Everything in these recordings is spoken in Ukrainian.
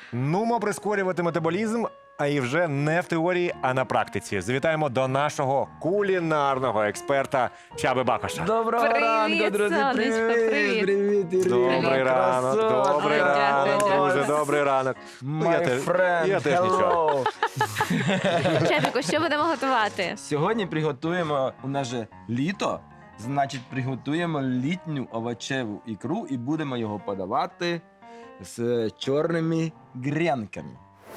Нумо прискорювати метаболізм, а і вже не в теорії, а на практиці. Завітаємо до нашого кулінарного експерта Чаби Бакоша. Доброго Привіт, ранку, друзі! сонечко, привіт. Привіт, Ірина! Добрий ранок, Красотка! добрий ранок, друже, добрий ранок. Ну, я My friend, я теж нічого. hello! Чепіку, що будемо готувати? Сьогодні приготуємо, у нас же літо, значить приготуємо літню овочеву ікру і будемо його подавати з чорними гренками.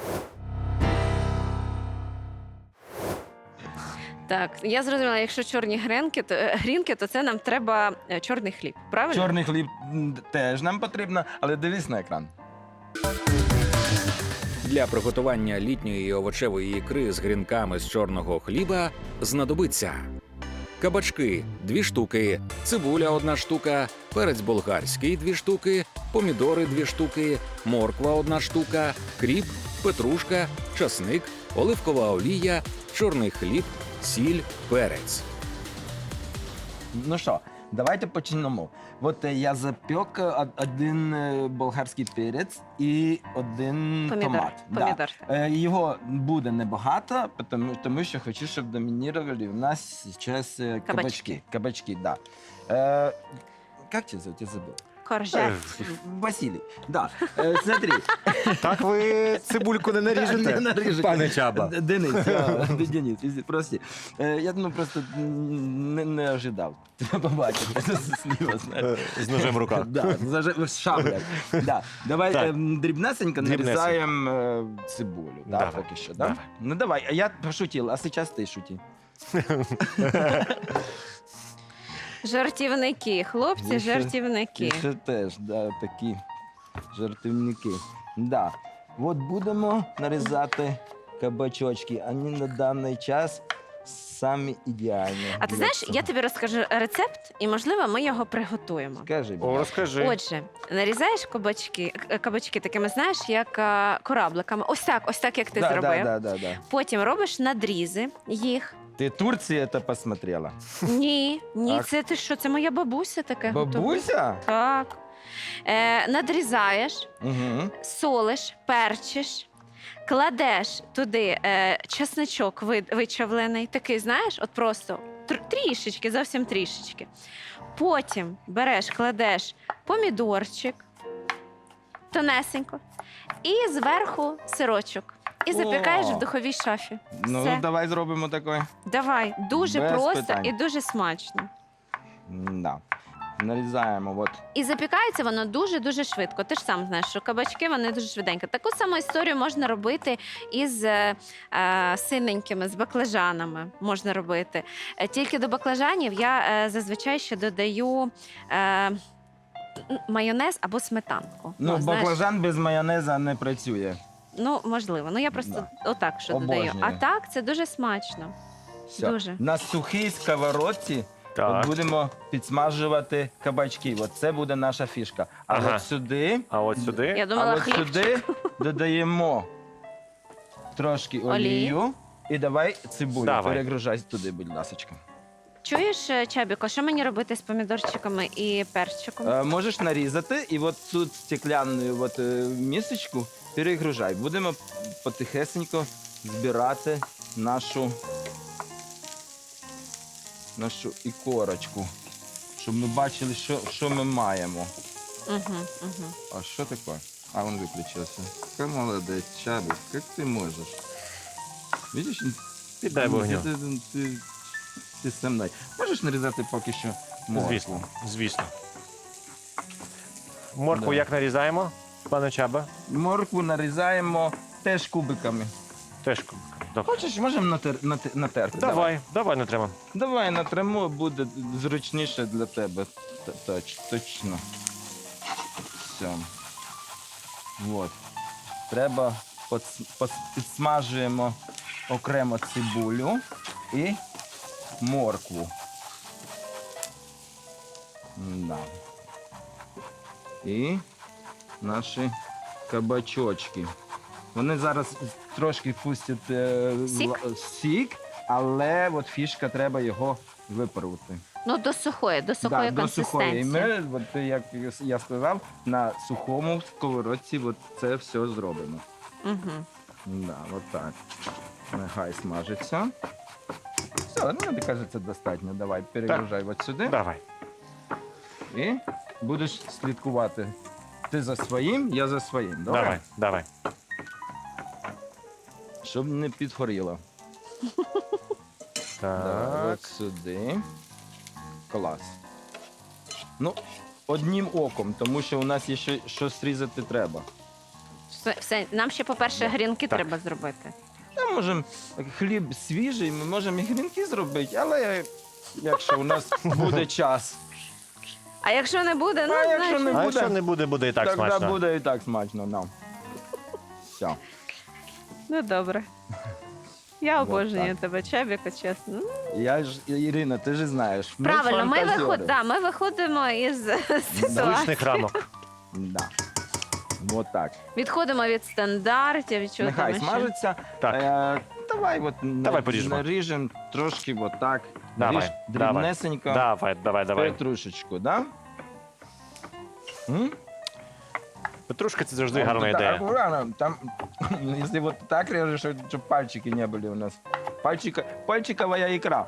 Так, я зрозуміла, якщо чорні грінки, то це нам треба чорний хліб, правильно? Чорний хліб теж нам потрібно, але дивись на екран. Для приготування літньої овочевої ікри з грінками з чорного хліба знадобиться кабачки – 2 штуки, цибуля – 1 штука, перець болгарський – 2 штуки, помідори – 2 штуки, морква – 1 штука, кріп, петрушка, часник, оливкова олія, чорний хліб, сіль, перець. Ну що, давайте почнемо. От я запек один болгарський перець і один томат. Помідор. Да. Його буде небагато, тому що хочу, щоб домінували у нас зараз кабачки. Кабачки, да. Как тебя зовут? Я забыл. Коржет. Василий. Да. Смотри. Так ви цибульку не наріжете, Не наріжете. пане Чаба? Денис, Денис, прости. Я не ожидав тебе побачити. Сліва, знаєш. З ножем в руках. Да, з шаблею. Да. Давай Так. дрібнесенько нарізаємо цибулю. Да, Давай. поки що, да? Давай. Ну давай, а я пошутил, а зараз ти шути. Жартівники, хлопці, І ще- жартівники. І ще теж, да, такі жартівники. Да. От будемо нарізати кабачочки. Вони на даний час самі ідеальні. А ти для знаєш, цього. я тобі розкажу рецепт, і, можливо, ми його приготуємо. Скажи, будь О, ласка. розкажи. Отже, нарізаєш кабачки такими, знаєш, як корабликами. Ось так, як ти зробив. Да. Потім робиш надрізи їх. Ти Турцію це посмотрела? Ні, Так. це ти що? Це моя бабуся таке готує. Бабуся? Так. Надрізаєш, Угу. солиш, перчиш, кладеш туди чесничок вичавлений, такий, знаєш, от просто трішечки, зовсім трішечки. Потім береш, кладеш помідорчик, тонесенько, і зверху сирочок. І запікаєш О! в духовій шафі. Ну, Все. давай зробимо таке. Давай, дуже Без просто питань. і дуже смачно. Да. Нарізаємо. От. І запікається воно дуже-дуже швидко. Ти ж сам знаєш, що кабачки вони дуже швиденько. Таку саму історію можна робити із синенькими, з баклажанами. Можна робити. Тільки до баклажанів я зазвичай ще додаю майонез або сметанку. Ну, знаєш. баклажан без майонеза не працює. Ну, можливо. Ну, я просто отак що Обожнюю. додаю. А так, це дуже смачно. Все. Дуже. На сухій сковородці Так. от будемо підсмажувати кабачки. От це буде наша фішка. А Ага. от сюди, А от сюди? Я думала, от хлібчик. сюди додаємо трошки олію. І давай цибулю. Давай. Перегружай туди, будь ласка. Чуєш, Чабіко, що мені робити з помідорчиками і перчиком? Можеш нарізати і от тут стеклянну місочку перегружай. Будемо потихесенько збирати нашу ікорочку, щоб ми бачили, що ми маємо. Угу. А що таке? А він виключився. Ти молодець, Чабік, як ти можеш? Видиш? Піддай вогню. Ти зі мною. Можеш нарізати поки що моркву? Звісно, звісно. Моркву Да. як нарізаємо, пане Чаба? Моркву нарізаємо теж кубиками. Теж. Добре. Хочеш, можемо натерти? Давай не треба. Давай натремо, буде зручніше для тебе. Точно. Все. Вот. Треба підсмажуємо окремо цибулю і моркву. Да. І наші кабачочки. Вони зараз трошки пустять Сік? сік, але от фішка, треба його випарувати. Ну, до сухої До сухої. І консистенції. ми, от, як я сказав, на сухому сковородці от це все зробимо. Угу. Да, от так. Нехай смажиться. Все, мені кажеться, достатньо. Давай, перегружай от сюди. Давай. І будеш слідкувати. Ти за своїм, я за своїм. Добре? Давай, давай. Щоб не підгоріло. Да, Так. от сюди. Клас. Ну, одним оком, тому що у нас є ще щось різати треба. Все, нам ще, по-перше, грінки Так. треба зробити. Ми можемо хліб свіжий, ми можемо і грінки зробити, але якщо у нас буде час. А якщо не буде, ну, А якщо знаєш, не А буде, якщо не буде, буде і так Тогда смачно. буде і так смачно. No. Все. ну добре. Я Вот обожнюю так. тебе, Чабіко, чесно. Я ж, Ірина, ти ж знаєш. ми Правильно, фантазери. ми виходимо із ситуації. Звичних рамок. Да. Вот так. Відходимо від стандартів. від чого Нехай там ще. смажиться. Так. Давай Давай поріжемо. наріжемо трошки вот так. Давай, Ріж давай. дрібнесенько. Давай. Петрушечку, да? М? Петрушка це завжди Вот гарна так, ідея. аккуратно. Там, если вот так режешь, чтобы пальчики не были у нас. Пальчиковая икра.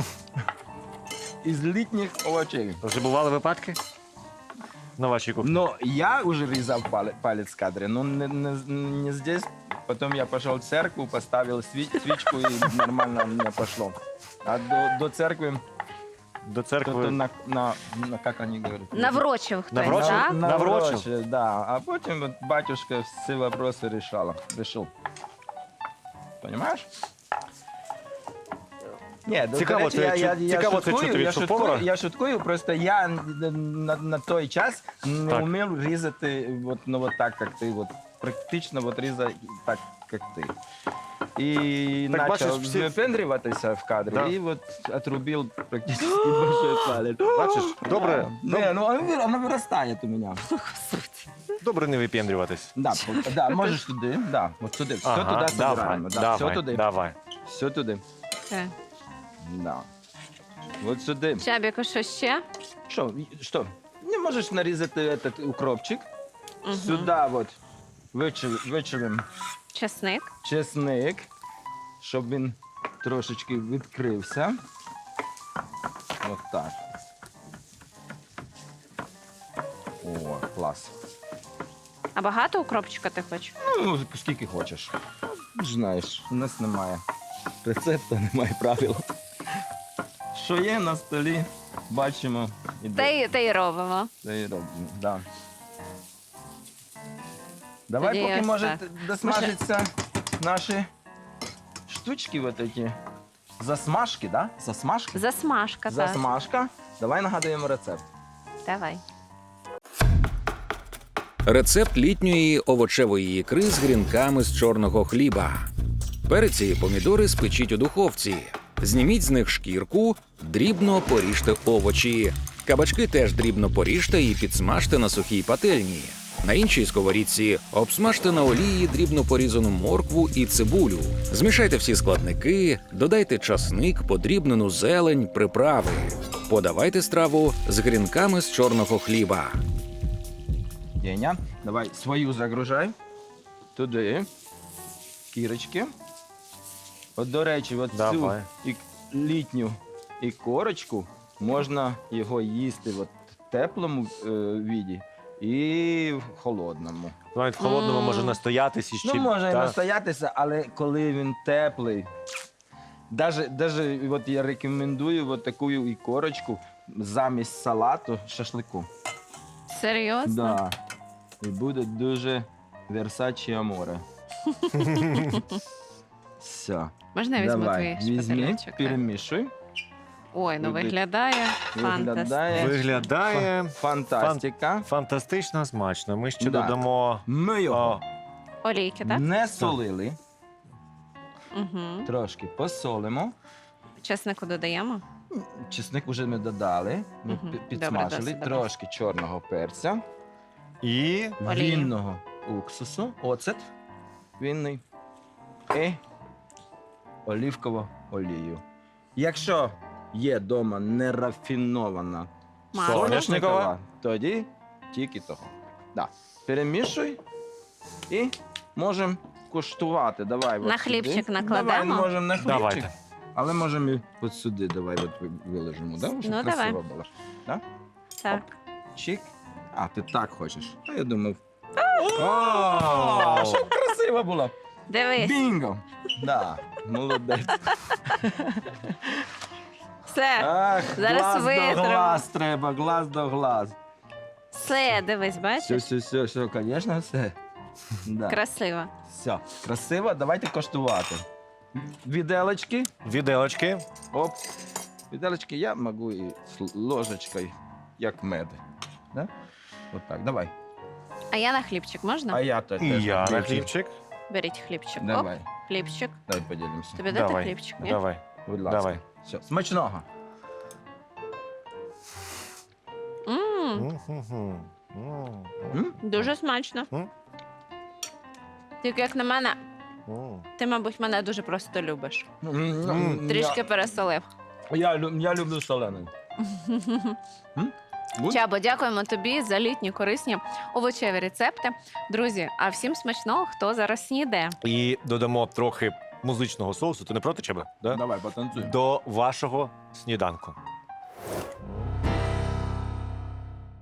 Из літніх овочей. Вже бували випадки на вашій кухні? Но я уже різав палец в кадре, но не здесь. Потом я пошел в церкву, поставил свечку и нормально у меня пошло. А до церкви До кто-то церкви. как они говорят? Наврочив хтось, Наврочив? так? Наврочив? Да. А потім вот батюшка всі вопроси решил. Понимаешь? Ні, Цікаво, цікаво, це чути від шеф-повара. Я шуткую, просто я на той час не Так. вмів різати вот так, як ти. Вот, практично вот різати так, як ти. І Так, бачиш, почав всі- випендрюватися в кадрі, Да. і от отрубив практично большой палець. Бачиш, добре, Не, ну оно виростає у мене. добре не випендрюватись. Да, можеш туди, да, от туди. Все туди давай, збираємо. Да, все туди. давай. Все туди. Все. Да. От сюди. Чабіко, що ще? Що? Не можеш нарізати этот укропчик. Мгм. Сюди от вичавимо Чесник. чесник, щоб він трошечки відкрився. От так. О, клас. А багато укропчика ти хочеш? Ну, скільки хочеш. Знаєш, у нас немає рецепту, немає правил. Що є на столі, бачимо і Та й робимо. Це і робимо. Да. Давай, Тоді поки ось може так. досмажаться наші штучки вот эти. Засмажки, да? Засмажки? Засмажка, так. Засмажка. Давай нагадуємо рецепт. Давай. Рецепт літньої овочевої ікри з грінками з чорного хліба. Переці і помідори спечіть у духовці. Зніміть з них шкірку, дрібно поріжте овочі. Кабачки теж дрібно поріжте і підсмажте на сухій пательні. На іншій сковорідці обсмажте на олії дрібно порізану моркву і цибулю. Змішайте всі складники, додайте часник, подрібнену зелень, приправи. Подавайте страву з грінками з чорного хліба. Деня, давай свою загружай. Туди. Кірочки. От, до речі, от цю Давай. літню ікорочку можна його їсти от в теплому віді і в холодному. Навіть в холодному Мм. може настоятись і ще. Ну, може і та. настоятися, але коли він теплий. Даже от я рекомендую от таку ікорочку замість салату шашлику. Серйозно? Да. І буде дуже Версачі Аморе. Все. Можна я візьму твої візьми, шпателечок? перемішуй. Ой, ну Туди. виглядає фантастично. Виглядає Фантастика. фантастично смачно. Ми ще Да. додамо. Ми його Олійки, так? не солили, Угу. трошки посолимо. Чеснику додаємо? Чесник вже ми додали, ми Мгм. підсмажили, Добре, досить, трошки чорного перця, І Олію. вінного уксусу, оцет вінний і оливкову олію. Якщо є вдома нерафінована Масло. Соняшникова. тоді тільки того. Да. Перемішуй і можемо куштувати. Давай, На от хлібчик сюди. накладемо? Давай, можемо на хлібчик. Давайте. Але можемо і от сюди, давай от виложимо, да? Щоб Ну, красиво давай. було. Да? Так. Чик. А, ти так хочеш. А я думав. О! Щоб красиво було. Дивись. Бінго! Да, молодець. Все. Ах, Зараз глаз витримо. до глаз треба, глаз до глаз. Все, дивись, Все, бачиш? все, звісно, все. Да. Красиво. Все, красиво, давайте коштувати. Віделочки. Віделочки. Оп. Віделочки я можу і з ложечкою, як мед. Да? От так, давай. А я на хлібчик можна? А я теж. І я на хлібчик. хлібчик. Беріть хлібчик. Оп, Давай, хлібчик. давай поділимося. Тобі дати Давай. хлібчик? Ні? Давай. Будь ласка. Давай. Все, смачного. М, М? Дуже смачно. М. Тільки як на мене, ти, мабуть, мене дуже просто любиш. Трішки пересолив. Я люблю солений. Будь? Чабо, дякуємо тобі за літні корисні овочеві рецепти. Друзі, а всім смачного, хто зараз снідає. І додамо трохи музичного соусу. Ти не проти, Чаба? Да? Давай, потанцуй. До вашого сніданку.